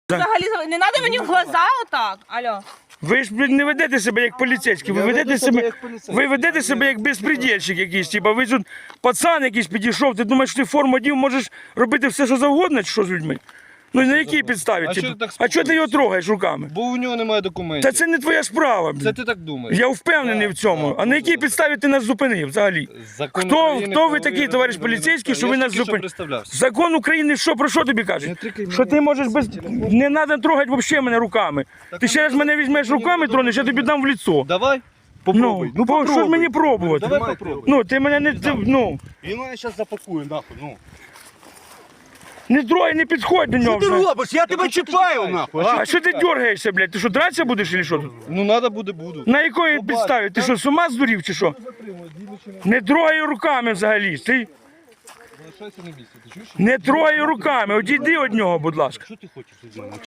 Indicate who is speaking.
Speaker 1: Взагалі, не треба мені в глаза отак. Алло.
Speaker 2: Ви ж блін, не ведете себе як поліцейські, ви ведете себе як безпредельщик якийсь. Типа, ви тут пацан якийсь підійшов, ти думаєш, ти форму одів, можеш робити все, що завгодно, чи що з людьми? Ну на якій підставі? А чого ти його трогаєш руками?
Speaker 3: Бо у нього немає документів.
Speaker 2: Та це не твоя справа.
Speaker 3: Це ти так думаєш.
Speaker 2: Я впевнений в цьому. А на якій підставі ти нас зупинив взагалі? Хто ви такий, товариш поліцейський, що ви нас зупинили? Закон України що, про що тобі каже? Що ти можеш без... Не треба трогати взагалі мене руками. Ти ще раз мене візьмеш руками, тронеш, я тобі дам в лицо.
Speaker 3: Давай. Попробуй.
Speaker 2: Що ж мені пробувати?
Speaker 3: Давай попробуй.
Speaker 2: Ну, ти мене не...
Speaker 4: Він мене зараз запакує, нахуй, ну.
Speaker 2: Не трогай, не підходь до нього.
Speaker 4: Що ти
Speaker 2: вже.
Speaker 4: робиш? Я тебе чіпаю, нахуй.
Speaker 2: А що ти дергаєшся, блядь? Ти що, драться будеш чи що тут?
Speaker 3: Ну треба буде, буду.
Speaker 2: На якої підставі? Ти що, з ума здурів чи що? Не трогай руками взагалі. Ти
Speaker 3: Залишайся на місці, ти чуєш?
Speaker 2: не трогай руками. Одійди від нього, будь ласка.
Speaker 4: Що ти хочеш від мене?